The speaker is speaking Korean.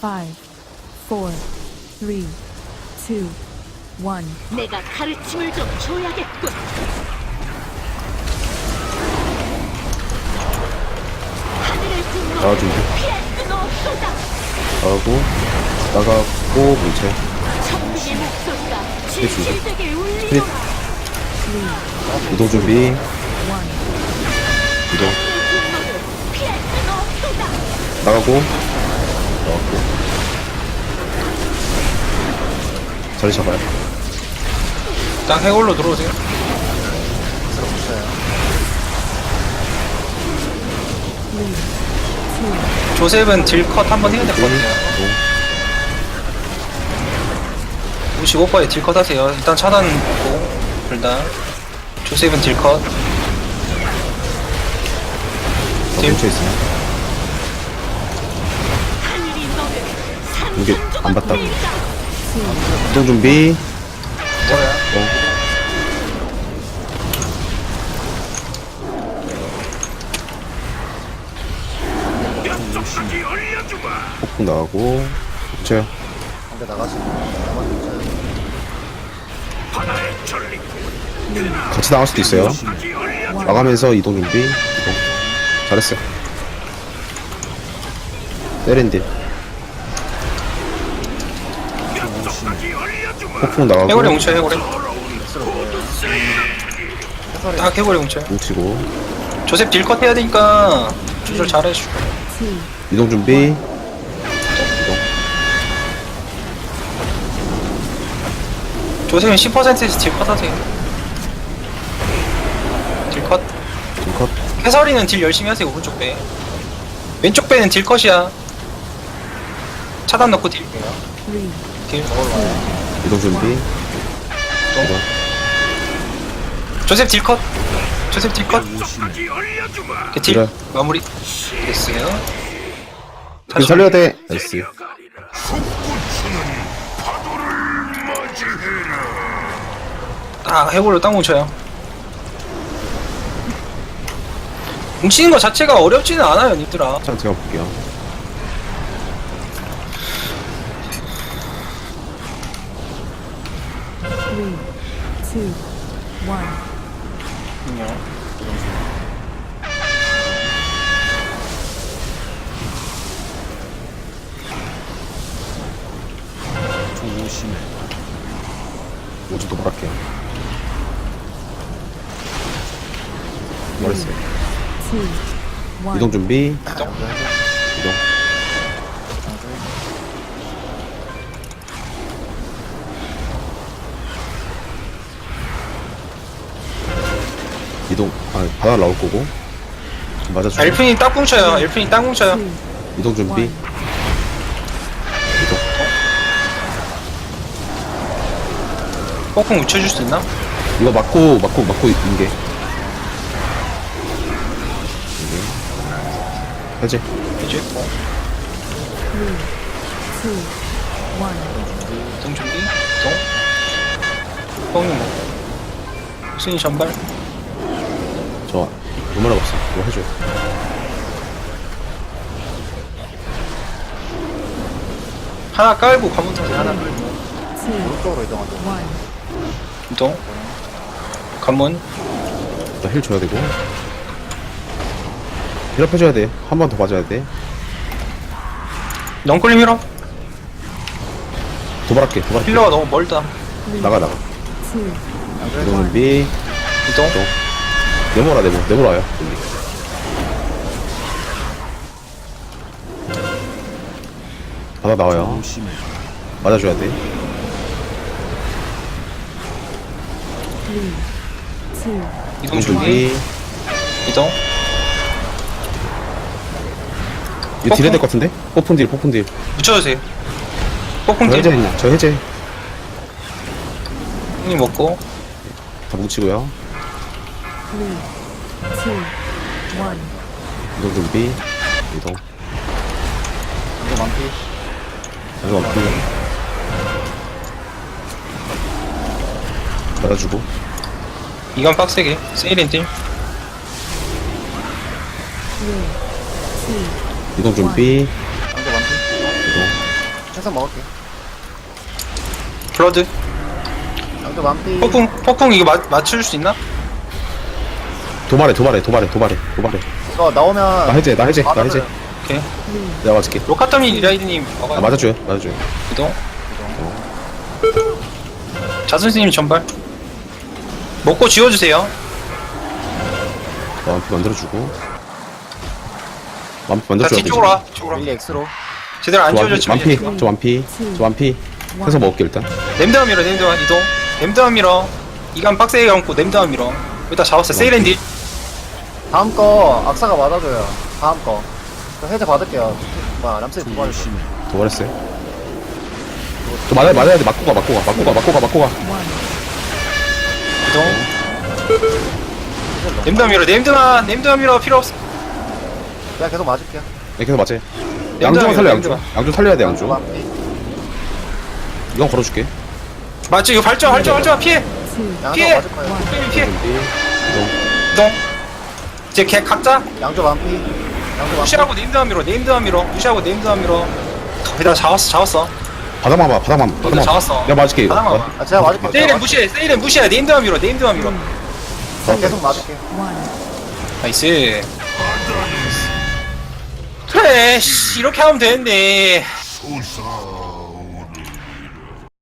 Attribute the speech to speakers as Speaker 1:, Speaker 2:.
Speaker 1: 5, 4, 3, 2, 1.
Speaker 2: 내가 가르침을 좀 줘야겠군. 하늘을 뜬
Speaker 3: 나와주고
Speaker 2: 피할 수는 없도다.
Speaker 3: 나가고 문체
Speaker 2: 천민의 목소리가
Speaker 3: 해주고.
Speaker 2: 진실되게 울리노라.
Speaker 3: 이동 준비
Speaker 1: 1.
Speaker 3: 이동
Speaker 2: 분노를 피할 수는 없도다.
Speaker 3: 나가고 자리 잡아요.
Speaker 4: 일단 해골로 들어오세요. 조셉은 딜컷 한번 해야 될 것 같아요. 55%에 딜컷 하세요. 일단 차단 먹고 둘다 조셉은 딜컷. 딜.
Speaker 3: 뭉쳐 있으면
Speaker 2: 하늘이 너를
Speaker 3: 이게
Speaker 2: 산산조각
Speaker 3: 안 봤다고.
Speaker 2: 울리다.
Speaker 3: 이동 준비
Speaker 4: 뭐야?
Speaker 3: 폭풍 나가고 붙여요.
Speaker 5: 근데 나가면
Speaker 3: 같이 나갈 수도 있어요. 나가면서 이동 준비 이동 잘했어요. 때린딜 폭풍 나가고
Speaker 4: 해골에 뭉쳐요. 해골에. 딱 해골에 뭉쳐요.
Speaker 3: 뭉치고
Speaker 4: 조셉 딜컷 해야 되니까 조절 잘 해주고.
Speaker 1: 2,
Speaker 3: 이동 준비 이동
Speaker 4: 조셉은 10%에서 딜컷 하세요. 딜컷.
Speaker 3: 컷
Speaker 4: 해설이는 딜 열심히 하세요. 오른쪽 배. 왼쪽 배는 딜컷이야. 차단 넣고 딜.
Speaker 1: 3,
Speaker 4: 딜.
Speaker 3: 이동 준비 이동
Speaker 4: 조셉 딜컷. 조셉 딜컷. 이렇게 딜
Speaker 3: 그래.
Speaker 4: 마무리 됐어요.
Speaker 3: 지금 살려야 돼. 나이스.
Speaker 4: 딱 해골로 딱 뭉쳐요. 뭉치는 거 자체가 어렵지는 않아요, 님들아.
Speaker 3: 자 제가 볼게요.
Speaker 1: three, two, one.
Speaker 3: 모두 도발할게요. 뭐랬어요?
Speaker 1: Two, one.
Speaker 3: 이동 준비 이동 이동 바다 나올 거고 맞아주고
Speaker 4: 엘프님 딱 뭉쳐요. 엘프님 딱 뭉쳐요.
Speaker 1: Two,
Speaker 3: 이동 준비
Speaker 1: one.
Speaker 3: 이동
Speaker 4: 뽕뽕 묻혀줄 수 있나?
Speaker 3: 이거 맞고 인게 해제
Speaker 4: 이제
Speaker 1: Three, two, one.
Speaker 4: 이동 준비. 이동. 뽕님 뭐. 순위 전발.
Speaker 3: 저 얼마나 없어 이거 해줘요.
Speaker 4: 하나 깔고 관문 타세요. 하나 깔고.
Speaker 1: Two,
Speaker 5: 오른쪽으로 이동하죠.
Speaker 1: one.
Speaker 4: 이동. 관문.
Speaker 3: 힐 줘야 되고 힐업 해줘야 돼. 한 번 더 맞아야 돼.
Speaker 4: 넝클림 힐업.
Speaker 3: 도발할게
Speaker 4: 힐러가 너무 멀다.
Speaker 3: 나가
Speaker 1: Two,
Speaker 3: 이동 준비
Speaker 4: 이동.
Speaker 3: 네모라 네모 와요 여기. 바다 나와요. 맞아줘야 돼.
Speaker 1: three, two,
Speaker 4: 이동
Speaker 3: 이동
Speaker 4: 준비.
Speaker 3: 준비
Speaker 4: 이동.
Speaker 3: 이거 딜해야 될 것 같은데? 폭풍 딜
Speaker 4: 묻혀주세요. 뽕뽕
Speaker 3: 저
Speaker 4: 딜.
Speaker 3: 해제 저 해제
Speaker 4: 형님 먹고.
Speaker 3: 다 뭉치고요.
Speaker 1: three, two, one.
Speaker 3: 이동 준비 이동
Speaker 5: 이거 만피.
Speaker 3: 이거 없고 받아주고
Speaker 4: 이건 빡세게. 세일인 딜.
Speaker 1: Three, two,
Speaker 3: 이동 준비
Speaker 5: 이거 만피.
Speaker 3: 이동
Speaker 5: 해석 먹을게.
Speaker 4: 블러드.
Speaker 5: 양조 만피.
Speaker 4: 폭풍 이거 맞출 수 있나?
Speaker 3: 도발해.
Speaker 5: 이거 나오면.
Speaker 3: 나 해제.
Speaker 5: 맞아줘요.
Speaker 4: 오케이.
Speaker 3: 내가 맞을게.
Speaker 4: 로카타민 리라이드님
Speaker 3: 아, 맞아줘요.
Speaker 4: 이동. 자선생님 전발. 먹고 지워주세요.
Speaker 3: 완피 만들어주고. 완피
Speaker 4: 자
Speaker 3: 만들어줘야 돼.
Speaker 4: 뒤쪽으로 와. 뒤쪽으로 와.
Speaker 5: 릴리 X로.
Speaker 4: 제대로 안 지워졌지만 이제
Speaker 3: 완피. 저 완피. 해서 먹을게, 일단.
Speaker 4: 냄드만 밀어. 냄드만 이동. 냄드만 밀어. 이간 빡세게 감고 냄드만 밀어. 여기다 잡았어. 세이렌디.
Speaker 5: 다음 거 악사가 맞아줘요. 다음 거. 저 해제 받을게요. 뭐야, 람스이 두 번.
Speaker 3: 도발했어요. 저 맞아야 돼. 맞고 가.
Speaker 4: 이동. 냄드만 밀어. 냄드만 밀어. 필요 없어.
Speaker 5: 그냥 계속 맞을게요.
Speaker 3: 네, 계속 맞아요. 양조만 살려, 양조. 양조 살려야 돼,
Speaker 5: 양조
Speaker 3: 양조.
Speaker 5: 만피.
Speaker 3: 이건 걸어줄게.
Speaker 4: 맞지? 이거 발전 피해.
Speaker 1: 2,
Speaker 5: 양조
Speaker 4: 피해.
Speaker 5: 맞을 거예요.
Speaker 4: 피해.
Speaker 3: 이동.
Speaker 4: 이동. 이제 걔 각자
Speaker 5: 양조 만피. 양조 만피.
Speaker 4: 무시하고 네임드만 밀어. 무시하고 네임드만 밀어. 거기다 잡았어.
Speaker 3: 바닥만 봐.
Speaker 4: 잡았어.
Speaker 3: 내가 맞을게, 이거.
Speaker 4: 바닥만 봐.
Speaker 5: 아, 제가 맞을게요.
Speaker 4: 세이렌 무시해. 네임드만 밀어.
Speaker 5: 제가 계속 맞을게요.
Speaker 1: 1.
Speaker 4: 나이스. 그래, 씨, 이렇게 하면 되는데.